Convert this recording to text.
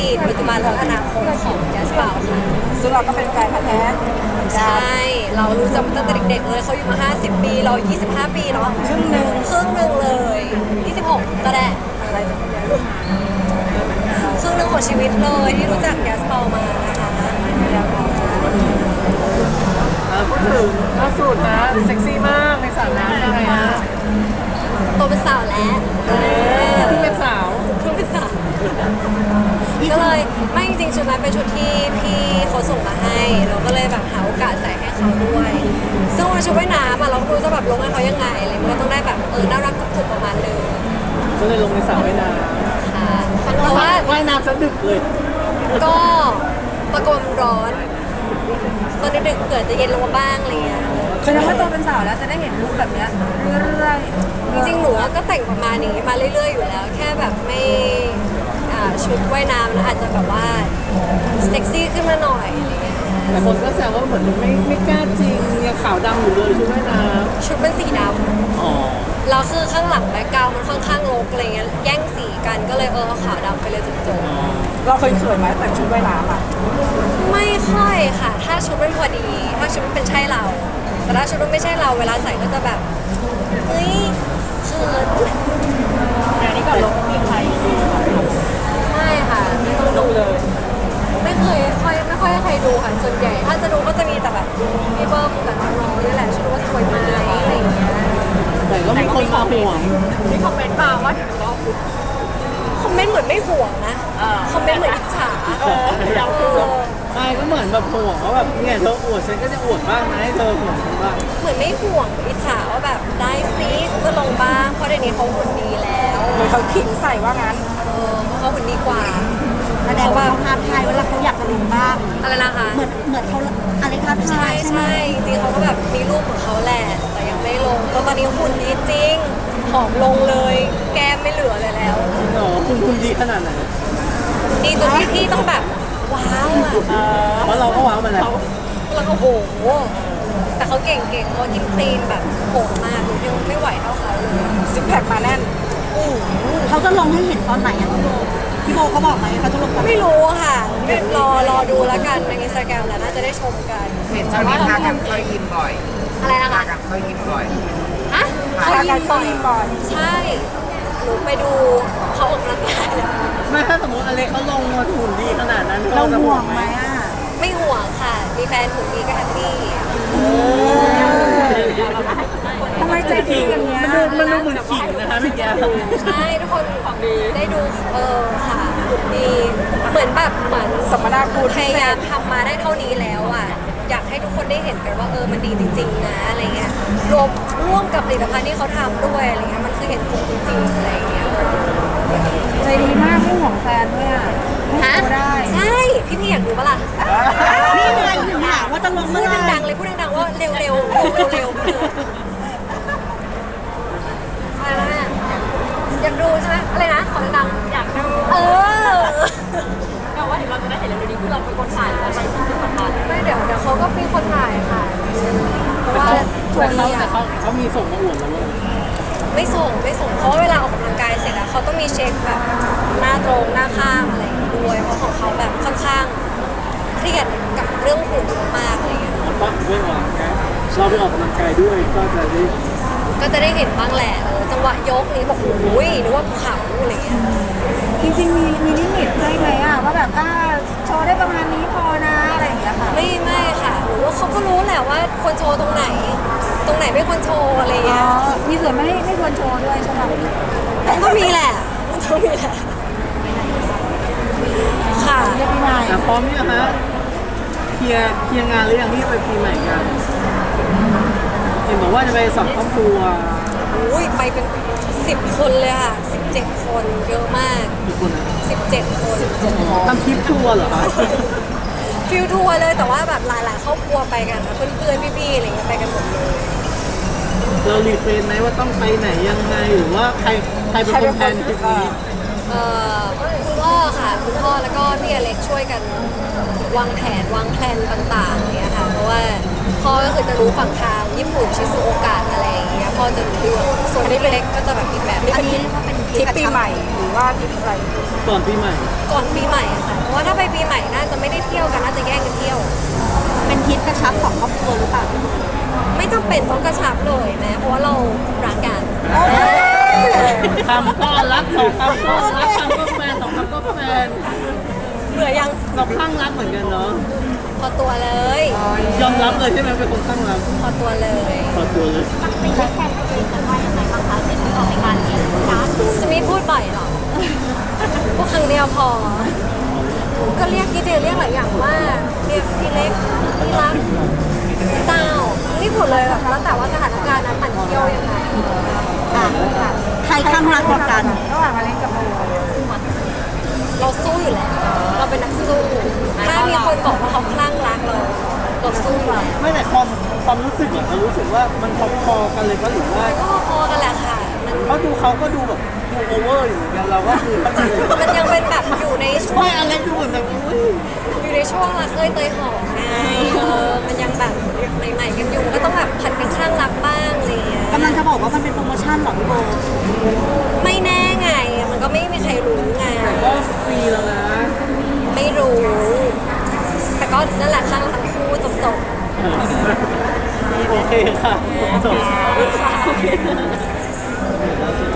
ดีตปัจจุบันและอนาคตของแจสเปาค่ะซึ่งเราก็เป็นแฟนพันธุ์แท้ใช่เรารู้จักตั้งแต่เด็กๆเลยเขาอยู่มา50 ปีเรา25 ปีเนาะครึ่งหนึ่งเลย26ก็ได้อะไรแบบนี้ครึ่งหนึ่งของชีวิตเลยที่รู้จักแจสเปามานะคะพูดถึงล่าสุดนะเซ็กซี่มากในสระน้ำยังไงฮะโตเป็นสาวแล้วเพิ่งเป็นสาวก็เลยไม่จริงๆชุดนั้นเป็นชุดที่พี่เขาส่งมาให้เราก็เลยแบบหาโอกาสใส่ให้เขาด้วยซึ่งวันชุดว่ายน้ำเราก็ไม่รู้จะแบบลงให้เขายังไงอะไรมันก็ต้องได้แบบน่ารักจุกๆประมาณนึงก็เลยลงในสระว่ายน้ำค่ะเพราะว่าว่ายน้ำซะดึกเลยก็ตะโกนร้อนตอนดึกๆเกิดจะเย็นลงมาบ้างอะไรเงี้ยแสดงว่าโตเป็นสาวแล้วจะได้เห็นลุคแบบเนี้ยเรื่อยๆจริงๆหนูก็แต่งประมาณนี้มาเรื่อยๆอยู่แล้วแค่แบบไม่ชุดว่ายน้ำอาจจะแบบว่าเซ็กซี่ขึ้นมาหน่อยอะไรเงี้ยแต่คนก็แซวว่าเหมือนไม่กล้าจริงยังขาวดำอยู่เลยชุดว่ายน้ำชุดเป็นสีดำแล้วคือข้างหลังแบ็คกราวด์มันค่อนข้างรกอะไรเงี้ยแย่งสีกันก็เลยเอาขาวดำไปเลยจบๆเราเคยเขินไหมแต่งชุดว่ายน้ำอ่ะไม่ค่อยค่ะถ้าชุดมันพอดีถ้าชุดมันเป็นใช่เราแต่ถ้าชุดมันไม่ใช่เราเวลาใส่ก็จะแบบเฮ้ยเขินอันนี้ก็ลงมีใครดูไม่ค่ะไม่ต้องดูเลยไม่ค่อยให้ใครดูค่ะส่วนใหญ่ถ้าจะดูก็จะมีแต่แบบพี่เบิ้มกับน้องๆนี่แหละชุดว่าสวยไหมอะไรอย่างเงี้ยแต่ก็มีคนมาห่วงมีคอมเมนต์มาว่าถึงรอบคอมเมนต์เหมือนไม่ห่วงนะคอมเมนต์เหมือนอิจฉาไม่ก็เหมือนแบบห่วงว่าแบบเนี่ยเธออวดฉันก็จะอวดบ้างนะให้เธอห่วงบ้างเหมือนไม่ห่วงอิจฉาว่าแบบได้ซิจะลงบ้างเพราะเดี๋ยวนี้เขาหุ่นดีแล้วเหมือนเขาขิงใส่ว่างั้นเขาหุ่นดีกว่าแสดงว่าเขาท้าทายเวลาเขาอยากจะลงบ้างอะไรนะคะเหมือนเขาอะไรท้าทายใช่จริงเขาก็แบบมีรูปของเขาแหละแต่ยังไม่ลงแล้วตอนนี้หุ่นดีจริงผอมลงเลยแก้มไม่เหลือเลยแล้วคุณดีขนาดไหนดีจนพี่ต้องแบบว้าวเพราะเราก็ว้าวมาแล้วแล้วก็โหแต่เขาเก่งเขากินคลีนแบบโหดมากยังไม่ไหวเท่าเขาเลยซิกแพคมาแน่นเขาจะลงให้เห็นตอนไหนอะพี่โบเขาบอกไหมเขาจะลงตอนไม่รู้ค่ะไม่รอดูแล้วกันในอินสตาแกรมแล้วน่าจะได้ชมกันเห็นช่วงนี้พากันเข้ายิมบ่อยอะไรนะคะพากันเข้ายิมบ่อยฮะเขายิมบ่อยใช่หนูไปดูเขาออกกำลังกายไม่ถ้าสมมติอเล็กเขาลงมาหุ่นดีขนาดนั้นเราห่วงไหมอ่ะไม่ห่วงค่ะมีแฟนหุ่นดีก็แฮปปี้ทำไมใจดีอย่างเงี้ยมันดูเหมือนขิงนะคะพี่แก้วใช่ทุกคนได้ดูค่ะหุ่นดีเหมือนสมนาคุณพยายามทำมาได้เท่านี้แล้วอ่ะอยากให้ทุกคนได้เห็นกันว่ามันดีจริงๆนะอะไรเงี้ยร่วมกับผลิตภัณฑ์ที่เขาทำด้วยอะไรเงี้ยมันคือเห็นผลจริงๆอะไรเงี้ยใจดีมากไม่ห่วงแฟนด้วยอ่ะฮะใช่พี่อยากดูปะล่ะนี่ไงถึงถามว่าจะลงพูดดังๆเลยพูดดังๆว่าเร็วอะไรนะอยากดูใช่ไหมอะไรนะขอดังๆอยากดูแต่ว่าเดี๋ยวเราจะได้เห็นเร็วๆนี้คือเราเป็นคนถ่ายแล้วไปที่สำคัญไม่เดี๋ยวเขาก็มีคนถ่ายค่ะเพราะว่าแต่เขามีส่งมาอวดเราเลยไม่ส่งเพราะว่าเวลาออกกำลังกายเสร็จแล้วเขาต้องมีเช็คแบบหน้าตรงหน้าข้างอะไรด้วยเพราะของเขาแบบค่อนข้างเครียดกับเรื่องหุ่นมากอะไรเงี้ยปั๊บด้วยออกกำลังกายเราไปออกกำลังกายด้วยก็จะได้เห็นบ้างแหละจังหวะยกนี้บอกโอ้ยนึกว่าภูเขาอะไรเงี้ยจริงๆมีลิมิตได้ไหมอ่ะว่าแบบโชว์ได้ประมาณนี้พอนะอะไรอย่างเงี้ยค่ะไม่ค่ะหรือว่าเขาก็รู้แหละว่าควรโชว์ตรงไหนไม่ควรโชว์อะไรเงี้ยมีส่วนไม่ควรโชว์ด้วยใช่ไหมก็มีแหละค่ะเรียกพี่นายพร้อมยังฮะเคลียร์งานหรือยังที่ไปปีใหม่กันเห็นบอกว่าจะไปสอบครอบครัวอุ้ยไปเป็น10 คนเลยค่ะ17 คนเยอะมากกี่คนนะ 17 คนทำทริปทัวร์เหรอคะฟิลทัวร์เลยแต่ว่าแบบหลายครอบครัวไปกันเพื่อนพี่ๆอะไรเงี้ยไปกันหมดเลยเรารีเฟรนไหมว่าต้องไปไหนยังไงหรือว่าใครเป็นคนแพลนทริปนี้คุณพ่อค่ะคุณพ่อแล้วก็พี่อเล็กช่วยกันวางแผนต่างๆเนี่ยค่ะเพราะว่าพ่อก็คือจะรู้ฝั่งทางญี่ปุ่นชิซูโอกะอะไรอย่างเงี้ยพ่อจะรู้เรื่องส่วนพี่เล็กก็จะแบบอีกแบบอันนี้เป็นทริปปีใหม่หรือว่าทริปอะไรก่อนปีใหม่ค่ะเที่ยวกันน่าจะแย่งกันเที่ยวเป็นทริปกระชับสองครอบครัวหรือเปล่าไม่จำเป็นต้องกระชับเลยแม้เพราะว่าเรารักกันคำก็รักสองคำก็รักคำก็แฟนสองคำก็แฟนเบื่อยังเราคลั่งรักเหมือนกันเนาะพอตัวเลยยอมรับเลยใช่ไหมเป็นคนคลั่งรักพอตัวเลยพอตัวเลยไม่ใช่แค่ตัวเองแต่ว่ายังไงบ้างคะเสร็จที่ออกรายการนี้นะสมิธพูดบ่อยเหรอ พูดครั้งเดียวพอ ก็เรียกพี่เจเรียกหลายอย่างมากเรียกพี่เล็กพี่รักพี่เต้านี่หมดเลยแบบแล้วแต่ว่าสถานการณ์นั้นมันเที่ยวยังไงใครข้างรักกว่ากันระหว่างอเล็กกับโบเราสู้อยู่แล้ว เราเป็นนักสู้ ถ้ามีคนบอกว่าเขาคลั่งรักเราสู้อยู่แล้วไม่แต่ความรู้สึกอะเรารู้สึกว่ามันพอๆกันเลยปะหรือว่ามันก็พอกันแหละค่ะ มันเพราะดูเขาก็ดูแบบดูโอเวอร์อยู่เหมือนกันเราก็คือเข้าใจมันยังเป็นแบบอยู่ในช่วไม่งอะไรดูเหมือนแบบอุ้ยอยู่ในช่วงรักเอ้ยเตยหอมไงมันยังแบบใหม่ๆกันอยู่ก็ต้องแบบผัดเป็นข้างรักบ้างอะไรอย่างเงี้ยกำลังจะบอกว่ามันเป็นโปรโมชั่นเหรอพี่โบไม่แน่ไง มันก็ไม่มีใครรู้ไงแต่ก็ปีแล้วนะไม่รู้ แต่ก็นั่นแหละข้างทั้งคู่จบโอเคค่ะจบๆค่ะ